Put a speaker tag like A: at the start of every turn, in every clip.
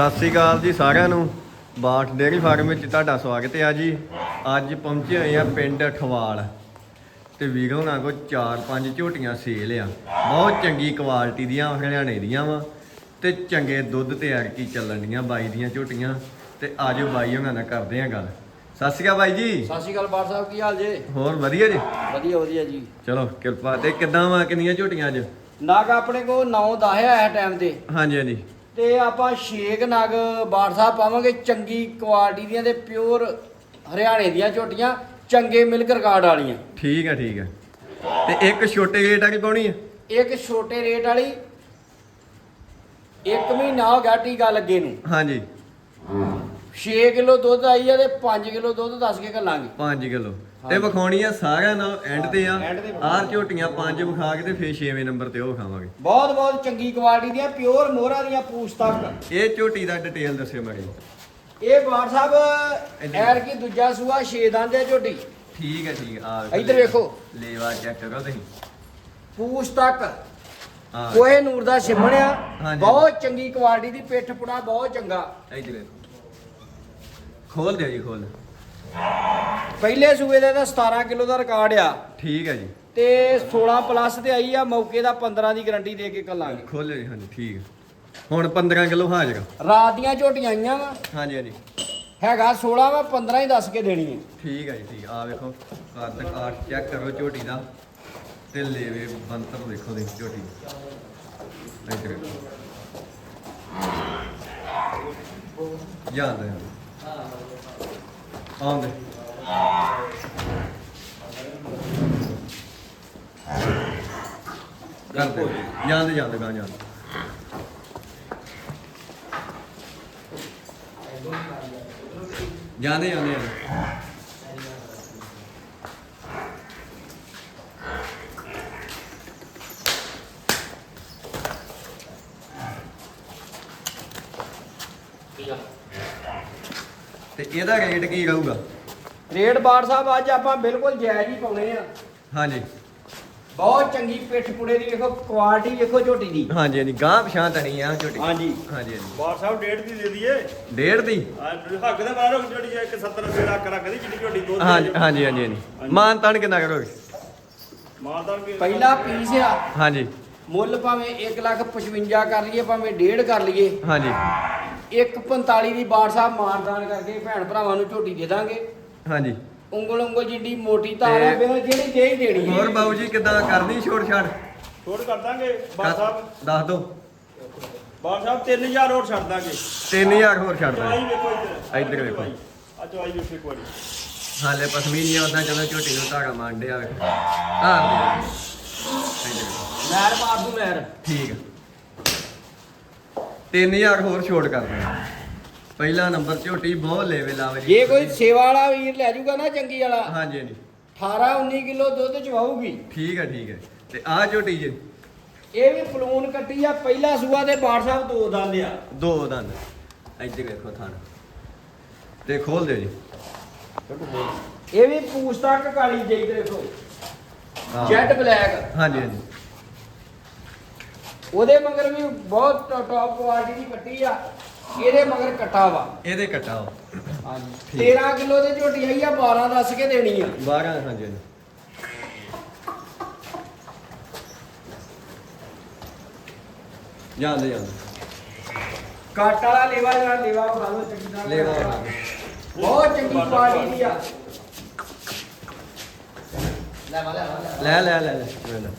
A: ਸਤਿ ਸ੍ਰੀ ਅਕਾਲ ਜੀ ਸਾਰਿਆਂ ਨੂੰ। ਬਾਠ ਡੇਅਰੀ ਫਾਰਮ ਵਿੱਚ ਤੁਹਾਡਾ ਸਵਾਗਤ ਹੈ ਜੀ। ਅੱਜ ਪਹੁੰਚੇ ਹੋਏ ਆ ਪਿੰਡ ਅਠਵਾਲ ਤੇ ਵੀਰ ਹੋਣਾ ਕੋ 4-5 ਝੋਟੀਆਂ ਸੇਲ ਆ। ਬਹੁਤ ਚੰਗੀ ਕੁਆਲਿਟੀ ਦੀਆਂ ਹਰਿਆਣੇ ਦੀਆਂ ਵਾ ਤੇ ਚੰਗੇ ਦੁੱਧ ਤੇ ਐਰਕੀ ਚੱਲਣ ਦੀਆਂ ਬਾਈ ਦੀਆਂ ਝੋਟੀਆਂ। ਤੇ ਆਜੋ ਬਾਈ ਹੋਣਾ ਨਾਲ ਕਰਦੇ ਆ ਗੱਲ। ਸਤਿ ਸ਼੍ਰੀ ਅਕਾਲ ਬਾਈ ਜੀ।
B: ਸਤਿ ਸ਼੍ਰੀ ਅਕਾਲ ਬਾਠ ਸਾਹਿਬ, ਕੀ ਹਾਲ ਜੇ?
A: ਹੋਰ ਵਧੀਆ ਜੀ?
B: ਵਧੀਆ ਵਧੀਆ ਜੀ।
A: ਚਲੋ ਕਿਰਪਾ। ਤੇ ਕਿੱਦਾਂ ਵਾ, ਕਿੰਨੀਆਂ ਝੋਟੀਆਂ ਅੱਜ?
B: ਨਗ ਆਪਣੇ ਕੋਲ 9-10 ਆ ਇਸ ਟਾਈਮ ਤੇ।
A: ਹਾਂਜੀ ਹਾਂਜੀ।
B: ਤੇ ਆਪਾਂ 6 ਨਗ ਬਾਠ ਸਾਹਿਬ ਪਾਵਾਂਗੇ, ਚੰਗੀ ਕੁਆਲਿਟੀ ਦੀਆਂ ਤੇ ਪਿਓਰ ਹਰਿਆਣੇ ਦੀਆਂ ਝੋਟੀਆਂ, ਚੰਗੇ ਮਿਲਕ ਰਿਕਾਰਡ ਵਾਲੀਆਂ।
A: ਠੀਕ ਹੈ ਠੀਕ ਹੈ। ਤੇ ਇੱਕ ਛੋਟੇ ਰੇਟ ਵਾਲੀ ਪਾਉਣੀ ਹੈ?
B: ਇੱਕ ਛੋਟੇ ਰੇਟ ਵਾਲੀ 1 ਮਹੀਨਾ ਹੋ ਗਿਆ ਟੀਕਾ ਲੱਗੇ ਨੂੰ।
A: ਹਾਂਜੀ।
B: 6 ਕਿਲੋ ਦੁੱਧ ਆਈ ਆ ਤੇ 5 ਕਿਲੋ ਦੁੱਧ ਦੱਸ ਕੇ ਘੱਲਾਂਗੇ।
A: 5 ਕਿਲੋ ਤੇ ਵਿਖਾਉਣੀ ਆ ਸਾਰਿਆਂ ਨਾਲ ਐਂਡ ਤੇ ਆ।
B: ਐਂਡ ਤੇ
A: ਆਹ ਝੋਟੀਆਂ 5 ਵਿਖਾ ਕੇ ਤੇ ਫੇਰ 6ਵੇਂ ਨੰਬਰ ਤੇ ਉਹ ਵਿਖਾਵਾਂਗੇ।
B: ਬਹੁਤ ਬਹੁਤ ਚੰਗੀ ਕੁਆਲਿਟੀ ਦੀਆਂ, ਪਿਓਰ ਮੋਹਰਾ ਦੀਆਂ ਪੂਛ ਤੱਕ।
A: ਇਹ ਝੋਟੀ ਦਾ ਡਿਟੇਲ ਦੱਸਿਓ ਮਾੜੀ।
B: ਇਹ ਬਾਠ ਸਾਹਿਬ ਐਰ ਕੀ ਦੂਜਾ ਸੂਆ 6 ਦੰਦ ਹੈ ਝੋਟੀ।
A: ਠੀਕ ਹੈ ਠੀਕ ਆ।
B: ਇੱਧਰ ਵੇਖੋ,
A: ਲੇਵਾ ਚੈੱਕ ਕਰੋ ਤੁਸੀਂ।
B: ਪੂਛ ਤੱਕ
A: ਹਾਂ
B: ਕੋਹੇ ਨੂਰ ਦਾ ਸਿਮਣਿਆ,
A: ਹਾਂਜੀ।
B: ਬਹੁਤ ਚੰਗੀ ਕੁਆਲਿਟੀ ਦੀ, ਪਿੱਠ ਪੁੜਾ ਬਹੁਤ ਚੰਗਾ।
A: ਇੱਧਰ ਵੇਖੋ, ਖੋਲ ਦਿਓ ਜੀ ਖੋਲ।
B: ਪਹਿਲੇ ਸੂਏ ਦਾ ਤਾਂ 17 ਕਿਲੋ ਦਾ ਰਿਕਾਰਡ ਆ
A: ਠੀਕ ਹੈ ਜੀ।
B: ਤੇ 16 ਪਲੱਸ ਤੇ ਆਈ ਆ, ਮੌਕੇ ਦਾ 15 ਦੀ ਗਾਰੰਟੀ ਦੇ ਕੇ ਕੱਲਾਂਗੇ।
A: ਖੋਲਿਓ ਜੀ। ਹਾਂਜੀ ਠੀਕ ਹੈ। ਹੁਣ 15 ਕਿਲੋ ਹਾਜ਼ਰ।
B: ਰਾਤ ਦੀਆਂ ਝੋਟੀਆਂ ਆਈਆਂ ਵਾ,
A: ਹਾਂਜੀ ਹਾਂਜੀ
B: ਹੈਗਾ 16 ਵਾ, 15 ਹੀ ਦੱਸ ਕੇ ਦੇਣੀ ਹੈ।
A: ਠੀਕ ਹੈ ਜੀ ਠੀਕ ਆ। ਵੇਖੋ ਕੱਦ ਕਾਠ ਚੈੱਕ ਕਰੋ ਝੋਟੀ ਦਾ ਤੇ ਲੇਵੇ ਬੰਤਰ ਦੇਖੋ ਦੀ ਝੋਟੀ। ਇੱਧਰ ਵੇਖੋ ਜਾਂਦੇ ਆਉਂਦੇ ਕਰਦੇ ਜਾਂਦੇ ਜਾਂਦੇ ਗਾਂ ਜਾਂਦੇ। ਜਾਂਦੇ ਜਾਂਦੇ ਤੇ ਇਹਦਾ ਰੇਟ ਕੀ ਰਹੂਗਾ?
B: ਰੇਟ ਬਾਠ ਸਾਹਿਬ ਅੱਜ ਆਪਾਂ ਬਿਲਕੁਲ ਜਾਇਜ਼ ਹੀ ਪਾਉਣੇ ਆ।
A: ਹਾਂਜੀ।
B: ਬਹੁਤ ਚੰਗੀ ਪਿੱਠ ਪੁੜੇ ਦੀ, ਵੇਖੋ ਕੁਆਲਿਟੀ ਵੇਖੋ ਝੋਟੀ ਦੀ।
A: ਹਾਂਜੀ ਹਾਂਜੀ। ਗਾਂ ਪਛਾਂ ਤਣੀ ਆ ਝੋਟੀ।
B: ਹਾਂਜੀ
A: ਹਾਂਜੀ ਹਾਂਜੀ।
C: ਬਾਠ ਸਾਹਿਬ 1.5 ਦੀ ਦੇ ਦਈਏ।
A: 1.5 ਦੀ?
C: ਹੱਕ ਦੇ ਬਾਹਰ ਝੋਟੀ ਜੇ 170 ਲੱਖ ਰੱਖਦੀ ਜਿੱਡੀ ਝੋਟੀ ਦੁੱਧ
A: ਹਾਂਜੀ ਹਾਂਜੀ ਹਾਂਜੀ ਹਾਂਜੀ। ਮਾਨ ਤਾਨ ਕਿੰਨਾ ਕਰੋਗੇ?
C: ਮਾਰਦਾ ਕਿ
B: ਪਹਿਲਾ ਪੀਸ ਆ,
A: ਹਾਂਜੀ
B: ਮੁੱਲ ਭਾਵੇਂ 1,55,000 ਕਰ ਲਈਏ, ਭਾਵੇਂ 1.5 ਕਰ ਲਈਏ,
A: ਹਾਂਜੀ
B: 1,45 ਦੀ ਬਾਠ ਸਾਹਿਬ ਮਾਨਦਾਨ ਕਰਕੇ ਭੈਣ ਭਰਾਵਾਂ ਨੂੰ ਝੋਟੀ ਦੇ ਦਾਂਗੇ।
A: ਹਾਂਜੀ।
B: ਉਂਗਲ ਉਂਗਲ ਜਿੱਡੀ ਮੋਟੀ ਤਾਰ ਹੈ, ਬਿਲ ਜਿਹੜੀ ਦੇ ਹੀ ਦੇਣੀ ਹੈ।
A: ਹੋਰ ਬਾਬੂ ਜੀ ਕਿੱਦਾਂ ਕਰਨੀ ਛੋੜ ਛਾੜ?
C: ਛੋੜ ਕਰ ਦਾਂਗੇ ਬਾਠ ਸਾਹਿਬ।
A: ਦੱਸ ਦੋ।
C: ਬਾਠ ਸਾਹਿਬ 3000 ਹੋਰ ਛੱਡ ਦਾਂਗੇ।
A: 3000 ਹੋਰ ਛੱਡ
C: ਚਵਾਈ
A: ਦਾਂਗੇ।
C: ਵੇਖੋ ਇੱਧਰ।
A: ਇੱਧਰ ਵੇਖੋ।
C: ਆ ਚਵਾਈ ਵੇਖੋ ਇੱਕ ਵਾਰੀ।
A: ਹਾਲੇ ਪਸਮੀਨੀ ਉਦਾਂ ਚਲੋ ਝੋਟੀ ਨੂੰ ਧਾਗਾ ਮੰਨਦੇ ਆ ਵੇਖੋ। ਹਾਂ
B: ਮੈਰ ਮਾਰ ਦੂ ਮੈਰ।
A: ਠੀਕ ਆ। 3000 ਹੋਰ ਛੋੜ ਕਰ ਦਿੰਦੇ। ਪਹਿਲਾ ਨੰਬਰ ਝੋਟੀ ਬਹੁਤ ਲੈਵਲ ਆਵੇ ਜੀ।
B: ਜੇ ਕੋਈ ਸੇਵਾ ਵਾਲਾ ਵੀਰ ਲੈ ਜਾਊਗਾ ਨਾ ਚੰਗੀ ਵਾਲਾ,
A: ਹਾਂਜੀ ਹਾਂਜੀ
B: 18-19 ਕਿਲੋ ਦੁੱਧ ਚਵਾਊਗੀ।
A: ਠੀਕ ਹੈ ਠੀਕ ਹੈ। ਤੇ ਆਹ ਝੋਟੀ ਜੇ?
B: ਇਹ ਵੀ ਪਲੂਨ ਕੱਟੀ ਆ, ਪਹਿਲਾ ਸੂਆ ਤੇ ਬਾਠ ਸਾਹਿਬ 2 ਦੰਦ ਆ।
A: 2 ਦੰਦ। ਇੱਧਰ ਵੇਖੋ ਥਾਣਾ ਤੇ ਖੋਲ ਦਿਓ ਜੀ।
B: ਇਹ ਵੀ ਪੂਛ ਤੱਕ ਕਾਲੀ ਜਿਹੀ, ਦੇਖੋ
A: ਹਾਂ।
B: Jet black.
A: ਹਾਂਜੀ ਹਾਂਜੀ।
B: ਉਹਦੇ ਮਗਰ ਵੀ ਬਹੁਤ ਟੌਪ ਕੁਆਲਿਟੀ ਦੀ ਕੱਟੀ ਆ, ਇਹਦੇ ਮਗਰ ਕੱਟਾ ਵਾ।
A: ਇਹਦੇ ਕਟਾਓ।
B: ਹਾਂਜੀ।
A: ਠੀਕ।
B: 13 ਕਿਲੋ ਦੀ ਝੋਟੀ ਆਈ ਆ, 12 ਦੱਸ ਕੇ ਦੇਣੀ ਆ।
A: 12 ਹਾਂਜੀ ਹਾਂਜੀ। ਜਾਂਦੇ ਜਾਂਦੇ
B: ਕੱਟ ਵਾਲਾ ਲੇਵਾ ਜਿਹੜਾ ਲੇਵਾ ਖਾ ਲਓ ਚੰਗੀ ਤਰ੍ਹਾਂ।
A: ਲੇਵਾ ਖਾ ਲਓ।
B: ਬਹੁਤ ਚੰਗੀ ਕੁਆਲਿਟੀ ਦੀ ਆ। ਲੈ ਵਾਲੇ
A: ਲੈ ਲੈ ਲੈ ਲੈ ਲੈ।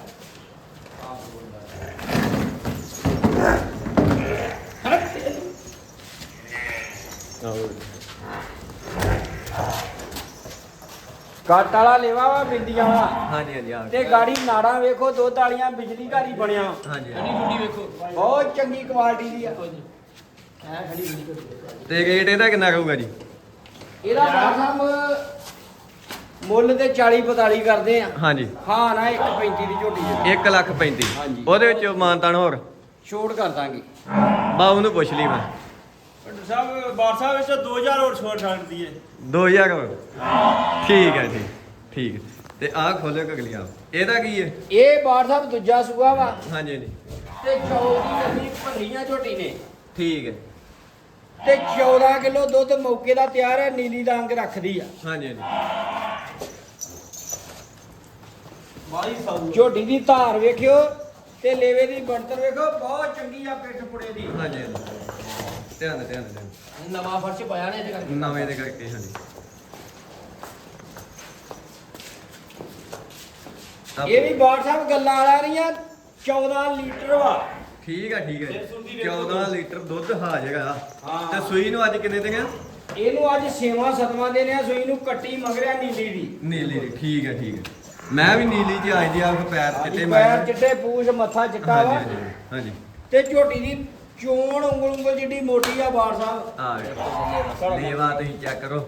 B: ਕੱਟ ਵਾਲਾ ਲੇਵਾ ਵਾ, ਬਿੰਦੀਆਂ ਵਾਲਾ।
A: ਹਾਂਜੀ ਹਾਂਜੀ ਆ
B: ਤੇ ਗਾੜੀ ਨਾੜਾਂ ਵੇਖੋ, ਦੁੱਧ ਵਾਲੀਆਂ, ਬਿਜਲੀ ਘਰ ਹੀ ਬਣਿਆ।
A: ਹਾਂਜੀ
B: ਠੰਡੀ ਵੇਖੋ, ਬਹੁਤ ਚੰਗੀ ਕੁਆਲਿਟੀ ਦੀ ਆ। ਐ ਖੜੀ
A: ਤੇ ਰੇਟ ਇਹਦਾ ਕਿੰਨਾ ਰਹੂਗਾ ਜੀ?
B: ਇਹਦਾ ਬਾਠ ਮੁੱਲ ਤੇ 40-45 ਕਰਦੇ ਆ।
A: ਹਾਂਜੀ।
B: ਹਾਂ ਨਾ 1,35 ਦੀ ਝੋਟੀ ਹੈ।
A: 1,35,000।
B: ਹਾਂਜੀ।
A: ਉਹਦੇ ਵਿੱਚ ਮਾਨਤਾਨ ਹੋਰ
B: ਛੋਟ ਕਰ ਦਾਂਗੇ।
A: ਬਾਬੂ ਨੂੰ ਪੁੱਛ ਲਈ ਮੈਂ।
C: ਡਾਕਟਰ ਸਾਹਿਬ ਬਾਠ ਸਾਹਿਬ ਵਿੱਚ 2000 ਹੋਰ ਛੋੜ ਛੱਡ ਦਈਏ।
A: 2000 ਹੋਰ। ਠੀਕ ਹੈ ਜੀ ਠੀਕ ਹੈ। ਤੇ ਆਹ ਖੋਲਿਓ ਕਗਲੀ ਆ। ਇਹਦਾ ਕੀ ਹੈ?
B: ਇਹ ਬਾਠ ਸਾਹਿਬ ਦੂਜਾ ਸੂਆ ਵਾ
A: ਹਾਂਜੀ ਹਾਂਜੀ
B: ਤੇ ਚੌਲ ਦੀ ਲੱਗੀ ਭੰਨੀਆਂ ਝੋਟੀ ਨੇ।
A: ਠੀਕ ਹੈ।
B: ਤੇ 14 ਕਿਲੋ ਦੁੱਧ ਮੌਕੇ ਦਾ ਤਿਆਰ ਹੈ, ਨੀਲੀ ਦਾ ਅੰਗ ਰੱਖਦੀ ਆ।
A: ਹਾਂਜੀ ਹਾਂਜੀ
C: ਬਾਈ ਸਾਊ
B: ਝੋਟੀ ਦੀ ਧਾਰ ਵੇਖਿਓ ਤੇ ਲੇਵੇ ਦੀ ਬਣਤਰ ਵੇਖੋ, ਬਹੁਤ ਚੰਗੀ ਆ ਪਿੱਠ ਪੁੜੇ ਦੀ।
A: ਹਾਂਜੀ ਹਾਂਜੀ ਧਿਆਨ
B: ਨਵਾਂ ਫਰਸ਼ ਪਾਇਆ ਨੇ ਇਹਦੇ ਕਰਕੇ।
A: ਨਵੇਂ ਦੇ ਕਰਕੇ ਹਾਂਜੀ
B: ਇਹ ਵੀ ਬਾੜ ਸਾਹਿਬ ਗੱਲਾਂ ਵਾਲਾ ਰਹੀਆਂ, 14 ਲੀਟਰ ਵਾ।
A: ਠੀਕ ਹੈ 14 ਲੀਟਰ ਦੁੱਧ ਹਾਜ਼ਰ ਆ।
B: ਹਾਂ।
A: ਤੇ ਸੂਈ ਨੂੰ ਅੱਜ ਕਿੰਨੇ ਦਿਨ ਆ?
B: ਇਹਨੂੰ ਅੱਜ 6ਵਾਂ 7ਵਾਂ ਦਿਨ ਆ ਸੂਈ ਨੂੰ, ਕੱਟੀ ਮਗਰਿਆ ਨੀਲੀ ਦੀ।
A: ਨੀਲੀ ਦੀ ਠੀਕ ਹੈ ਮੈਂ ਵੀ ਨੀਲੀ ਚ ਆਈ ਦੀ ਆ ਪੈਰ ਚਿੱਟੇ
B: ਪੈਰ ਚਿੱਟੇ, ਪੂਛ ਮੱਥਾ ਚਿੱਟਾ ਵਾ।
A: ਹਾਂਜੀ
B: ਤੇ ਝੋਟੀ ਦੀ ਚੋਣ ਉਂਗਲ ਜਿੱਡੀ ਮੋਟੀ ਆ ਬਾੜ ਸਾਹਿਬ।
A: ਆ ਵੇਖੋ ਲੇਵਾ ਤੁਸੀਂ ਚੈੱਕ ਕਰੋ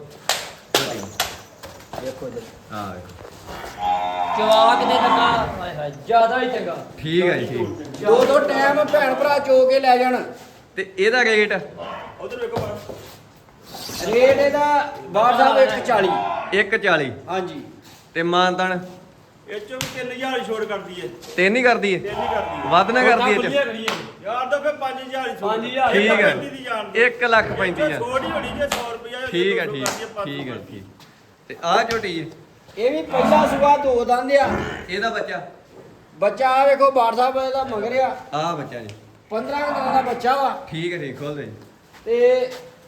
B: ਦੇਖੋ ਜੀ
A: ਆ ਵੇਖੋ
B: ਜਵਾਕ ਦੇ ਲੱਗਾ, ਹਾਏ ਹਾਏ ਜ਼ਿਆਦਾ ਹੀ ਚੰਗਾ।
A: ਠੀਕ ਹੈ ਜੀ ਠੀਕ
B: ਦੋ ਟਾਈਮ ਭੈਣ ਭਰਾ ਚੋ ਕੇ ਲੈ ਜਾਣ।
A: ਤੇ ਇਹਦਾ ਰੇਟ
C: ਉਧਰ ਵੇਖੋ ਬਾਹਰ।
B: ਰੇਟ ਇਹਦਾ ਬਾੜ ਸਾਹਿਬ 140।
A: 140
B: ਹਾਂਜੀ
A: ਤੇ ਮਾਨਤਨ
C: ਇਹ ਚੋਂ ਵੀ 3000 ਹੀ ਛੋੜ ਕਰਦੀ ਏ।
A: ਤਿੰਨ ਹੀ ਕਰਦੀ ਏ
C: ਤਿੰਨ ਹੀ ਕਰਦੀ ਏ।
A: ਵੱਧ ਨਾ ਕਰਦੀ ਏ
C: ਵਧੀਆ ਕਰੀਏ ਯਾਰ ਤਾਂ ਫੇ 5000 ਹੀ ਛੋੜ।
B: 5000
A: ਠੀਕ ਹੈ
C: ਦੀ ਜਾਣ ਦੇ।
A: 1,35,000
C: ਛੋੜ ਹੀ ਹੋਣੀ ਜੇ 100 ਰੁਪਇਆ
A: ਠੀਕ ਹੈ ਠੀਕ ਤੇ ਆਹ ਝੋਟੀ ਜੀ
B: ਇਹ ਵੀ ਪਹਿਲਾ ਸੁਬਾ ਦੋ ਦੰਦ ਆ।
A: ਇਹਦਾ ਬੱਚਾ
B: ਬੱਚਾ ਆ ਵੇਖੋ ਬਾੜ ਸਾਹਿਬ ਇਹਦਾ ਮਗਰ ਆ,
A: ਆਹ ਬੱਚਾ ਜੀ
B: 15 ਕੁ ਦਿਨਾਂ ਦਾ ਬੱਚਾ ਵਾ।
A: ਠੀਕ ਹੈ ਖੋਲ ਦੇ ਜੀ
B: ਤੇ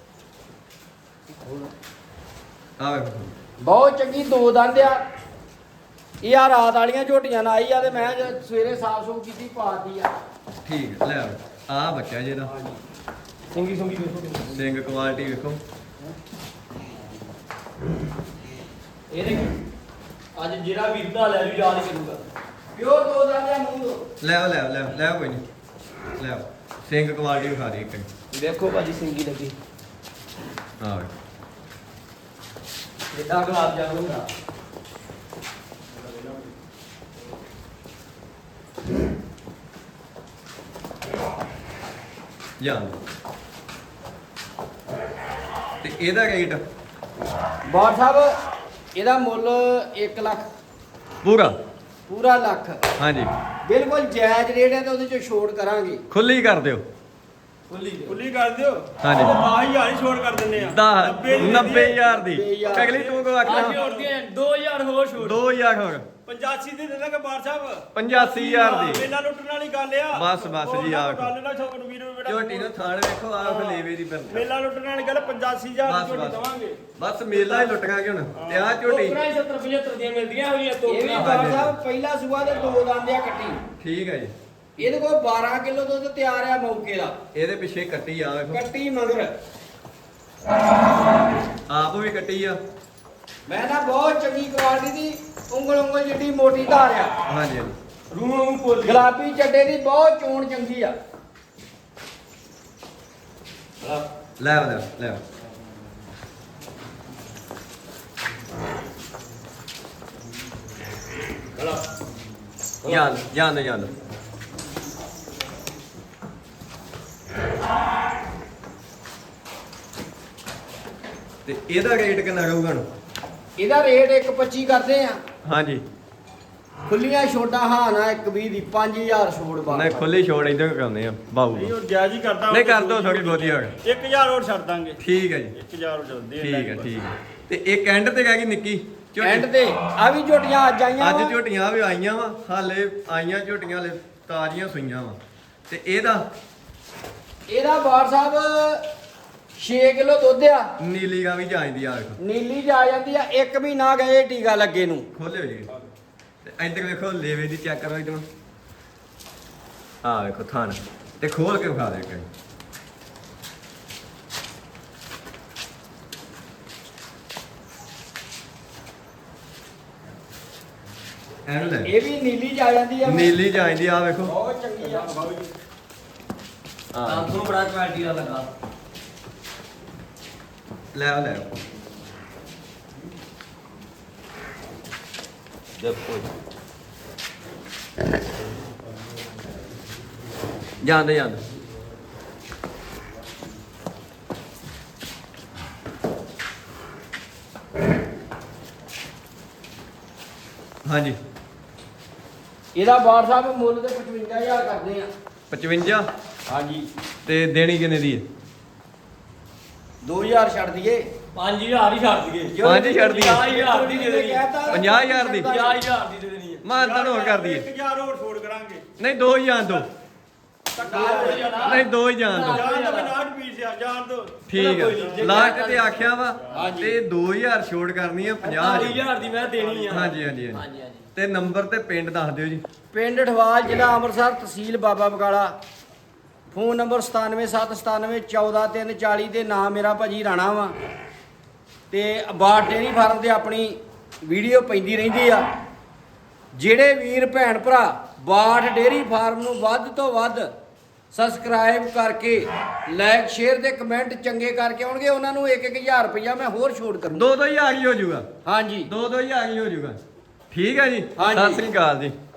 A: ਆਹ ਵੇਖੋ
B: ਬਹੁਤ ਚੰਗੀ ਦੋ ਦੰਦ ਆ। ਇਹ ਆ ਰਾਤ ਵਾਲੀਆਂ ਝੋਟੀਆਂ ਨਾਲ ਆਈ ਆ ਤੇ ਮੈਂ ਜਦ ਸਵੇਰੇ ਸਾਫ ਸੂਫ ਕੀਤੀ ਪਾਤੀ ਆ।
A: ਠੀਕ ਹੈ ਲੈ ਆਹ ਬੱਚਾ ਜੀ ਇਹਦਾ
B: ਸਿੰਗੀ ਸੁੰਗੀ ਵੇਖੋ
A: ਸਿੰਘ ਕੁਆਲਿਟੀ ਵੇਖੋ
B: ਇਹਦੇ ਅੱਜ ਜਿਹੜਾ ਵੀਰ ਦਾ ਲੈ ਲੂ ਯਾਦ ਕਰੂਗਾ। ਪਿਓਰ ਦੋ ਦੰਦ ਆ ਮੂੰਹ ਤੋਂ।
A: ਲੈ ਕੋਈ ਨਹੀਂ ਲੈ ਸਿੰਘ ਕੁਆਲਿਟੀ ਵਿਖਾ ਦੇ ਇੱਕ
B: ਵੇਖੋ ਭਾਜੀ ਸਿੰਗੀ ਲੱਗੀ
A: ਆਹ ਵੇਖੋ
B: ਜਿੱਦਾਂ ਗੁਲਾਬ ਜਾਮੁਨ ਹੁੰਦਾ।
A: ਜਾਨ ਤੇ ਇਹਦਾ ਰੇਟ
B: ਬਾੜ ਸਾਹਿਬ ਇਹਦਾ ਮੁੱਲ 1 ਲੱਖ
A: ਪੂਰਾ
B: ਪੂਰਾ ਲੱਖ
A: ਹਾਂਜੀ
B: ਬਿਲਕੁਲ ਜਾਇਜ਼ ਰੇਟ ਹੈ ਤੇ ਉਹਦੇ ਚੋਂ ਛੋੜ ਕਰਾਂਗੇ।
A: ਖੁੱਲੀ ਕਰ ਦਿਓ
C: ਖੁੱਲੀ ਕਰ ਦਿਓ।
A: ਹਾਂਜੀ।
C: 10000 ਹੀ ਛੋੜ ਕਰ ਦਿੰਨੇ ਆ।
A: 90000 ਦੀ ਅਗਲੀ ਤੂੰ ਕੋ ਆਖਣਾ
B: 2000 ਹੋਰ ਛੋੜ।
A: 2000 ਹੋਰ
C: 85 ਦੀ ਦੇ ਦਾਂਗੇ ਬਾਰ ਸਾਹਿਬ।
A: 85000 ਦੀ
C: ਮੇਲਾ ਲੁੱਟਣ ਵਾਲੀ ਗੱਲ ਆ।
A: ਬਸ ਜੀ ਆ
C: ਗੱਲ ਨਾ ਛੋੜ ਵੀਰ ਬੇਟਾ।
A: ਝੋਟੀ ਨੂੰ ਥਾਣ ਵੇਖੋ ਆ ਫਲੇਵੇ ਦੀ ਬੰਦ
C: ਮੇਲਾ ਲੁੱਟਣ ਵਾਲੀ ਗੱਲ 85000
A: ਬਸ,
C: ਦੀ ਝੋਟੀ
A: ਬਸ।
C: ਦਵਾਂਗੇ।
A: ਬਸ ਮੇਲਾ ਹੀ ਲੁੱਟਾਂਗੇ ਹੁਣ ਤੇ ਆ ਝੋਟੀ
B: 70 75 ਦੀਆਂ ਮਿਲਦੀਆਂ ਹੋਈਆਂ ਤੋਂ। ਇਹ ਵੀ ਬਾੜ ਸਾਹਿਬ ਪਹਿਲਾ ਸੂਆ ਦੇ ਦੋ ਦੰਦ ਆ ਕੱਟੀ।
A: ਠੀਕ ਹੈ ਜੀ
B: ਇਹਦੇ ਕੋਲ 12 ਕਿਲੋ ਦੁੱਧ ਤਿਆਰ ਆ ਮੌਕੇ ਦਾ।
A: ਇਹਦੇ ਪਿੱਛੇ ਕੱਟੀ ਆ ਵੇਖੋ
B: ਕੱਟੀ ਮਗਰ
A: ਆਪ ਵੀ ਕੱਟੀ ਆ
B: ਮੈਂ ਨਾ ਬਹੁਤ ਚੰਗੀ ਕੁਆਲਿਟੀ ਦੀ ਉਂਗਲ ਜਿੱਡੀ ਮੋਟੀ ਧਾਰ ਆ।
A: ਹਾਂਜੀ ਹਾਂਜੀ
C: ਰੂਹ ਨੂੰ ਕੋਲ
B: ਗੁਲਾਬੀ ਚੱਡੇ ਦੀ ਬਹੁਤ ਚੋਣ ਚੰਗੀ ਆ।
A: ਲੈ ਜਾਨ ਤੇ ਇਹਦਾ ਰੇਟ ਕਿੰਨਾ ਰਹੂਗਾ ਹੁਣ?
B: ਇਹਦਾ ਰੇਟ 1.25 ਕਰਦੇ ਆ।
A: ਹਾਂਜੀ
B: ਖੁੱਲੀਆਂ ਛੋਟਾਂ ਹਾਂ ਨਾ 1.20 ਦੀ 5000 ਛੋੜ ਬਾਅਦ।
A: ਨਹੀਂ ਖੁੱਲੀ ਛੋੜ ਇਧਰ ਕਰਾਉਂਦੇ ਆ ਬਾਬੂ
C: ਨਹੀਂ ਉਹ ਜਾਇਜ਼ ਹੀ ਕਰਦਾ।
A: ਨਹੀਂ ਕਰ ਦੋ ਥੋੜੀ ਬਹੁਤੀ ਹੋਰ
C: 1000 ਹੋਰ ਛੱਡ ਦਾਂਗੇ।
A: ਠੀਕ ਹੈ ਜੀ
C: 1000 ਹੋਰ ਚੱਲਦੇ
A: ਠੀਕ ਹੈ ਤੇ ਇੱਕ ਐਂਡ ਤੇ ਕਹਿ ਗਈ ਨਿੱਕੀ ਝੋਟੀ।
B: ਐਂਡ ਤੇ ਆ ਵੀ ਝੋਟੀਆਂ ਅੱਜ ਆਈਆਂ
A: ਅੱਜ
B: ਵਾਂ।
A: ਝੋਟੀਆਂ ਵੀ ਆਈਆਂ ਵਾ ਹਾਲੇ ਆਈਆਂ ਝੋਟੀਆਂ ਹਲੇ ਤਾਜ਼ੀਆਂ ਸੂਈਆਂ ਵਾ ਤੇ
B: ਇਹਦਾ ਬਾੜ ਸਾਹਿਬ 6 ਕਿਲੋ ਦੁੱਧ ਆ।
A: ਨੀਲੀ ਗਾਂ ਵੀ ਜਾਂਦੀ ਆ ਵੇਖੋ
B: ਨੀਲੀ ਜਾ ਜਾਂਦੀ ਆ। 1 ਮਹੀਨਾ ਗਏ ਟੀਕਾ ਲੱਗੇ ਨੂੰ।
A: ਖੋਲਿਓ ਜੀ ਤੇ ਇੱਧਰ ਵੇਖੋ ਲੇਵੇ ਦੀ ਚੈੱਕ ਕਰੋ ਇਧਰੋਂ ਆ ਵੇਖੋ ਥਾਣ ਤੇ ਖੋਲ ਕੇ ਵਿਖਾ ਦੇ ਕਈ ਐਨੂੰ ਲੈ
B: ਇਹ ਵੀ ਨੀਲੀ ਜਾ ਜਾਂਦੀ ਆ।
A: ਨੀਲੀ ਜਾਂਦੀ ਆ ਵੇਖੋ
B: ਬਹੁਤ ਚੰਗੀ ਆ।
A: ਆ
B: ਤੁਹਾਨੂੰ ਬੜਾ ਕੁਆਲਿਟੀ ਦਾ ਲੱਗਾ।
A: ਲੈ ਦੇਖੋ ਜਾਂਦੇ ਹਾਂਜੀ
B: ਇਹਦਾ ਬਾੜ ਸਾਹਿਬ ਮੁੱਲ ਤੇ 55000 ਕਰਦੇ ਆ।
A: 55
B: ਹਾਂਜੀ
A: ਤੇ ਦੇਣੀ ਕਿੰਨੇ ਦੀ ਹੈ
B: 2000 ਛੱਡ ਦਈਏ
C: 5000 ਹੀ ਛੱਡ ਦਈਏ
A: ਪੰਜ ਹੀ ਛੱਡ ਦਈਏ।
C: 50000 ਦੀ ਦੇ ਦੇਣੀ ਹੈ
A: 50,000 ਦੀ
C: 50000 ਦੀ ਦੇ ਦੇਣੀ ਹੈ
A: ਮਾਨਤਾਨ ਹੋਰ ਕਰ ਦਈਏ
C: 1000 ਹੋਰ ਛੋੜ ਕਰਾਂਗੇ
A: ਨਹੀਂ ਦੋ ਹੀ ਜਾਣ ਦੋ ਨਹੀਂ ਦੋ ਹੀ ਜਾਣ ਦੋ
C: ਜਾਨ ਤਾਂ 50 ਪੀਸ ਆ ਜਾਨ ਤੋਂ
A: ਠੀਕ ਹੈ ਲਾਸਟ ਤੇ ਆਖਿਆ ਵਾ
B: ਹਾਂਜੀ।
A: ਤੇ 2000 ਛੋੜ ਕਰਨੀ ਆ 50
C: 40000 ਦੀ ਮੈਂ ਦੇਣੀ ਆ
A: ਹਾਂਜੀ ਹਾਂਜੀ ਹਾਂਜੀ
B: ਹਾਂਜੀ ਹਾਂਜੀ
A: ਤੇ ਨੰਬਰ ਤੇ ਪਿੰਡ ਦੱਸ ਦਿਓ ਜੀ
B: ਪਿੰਡ ਠਵਾਲ ਜ਼ਿਲ੍ਹਾ ਅੰਮ੍ਰਿਤਸਰ ਤਹਿਸੀਲ ਬਾਬਾ ਬਕਾਲਾ ਫੋਨ ਨੰਬਰ 9779714340 ਤੇ ਨਾਮ ਮੇਰਾ ਭਾਜੀ ਰਾਣਾ ਵਾ ਤੇ ਬਾਟ ਡੇਅਰੀ ਫਾਰਮ ਤੇ ਆਪਣੀ ਵੀਡੀਓ ਪੈਂਦੀ ਰਹਿੰਦੀ ਆ ਜਿਹੜੇ ਵੀਰ ਭੈਣ ਭਰਾ ਬਾਟ ਡੇਅਰੀ ਫਾਰਮ ਨੂੰ ਵੱਧ ਤੋਂ ਵੱਧ ਸਬਸਕ੍ਰਾਈਬ ਕਰਕੇ ਲਾਈਕ ਸ਼ੇਅਰ ਤੇ ਕਮੈਂਟ ਚੰਗੇ ਕਰਕੇ ਆਉਣਗੇ ਉਹਨਾਂ ਨੂੰ 1-1000 ਰੁਪਇਆ ਮੈਂ ਹੋਰ ਛੋਟ ਕਰੂੰ
A: ਦੋ ਹੀ ਆ ਗਈ ਹੋ ਜਾਊਗਾ
B: ਹਾਂਜੀ
A: ਦੋ ਹੀ ਆ ਗਈ ਹੋ ਜਾਊਗਾ ਠੀਕ ਹੈ ਜੀ
B: ਹਾਂਜੀ।
A: ਸਤਿ ਸ੍ਰੀ ਅਕਾਲ ਜੀ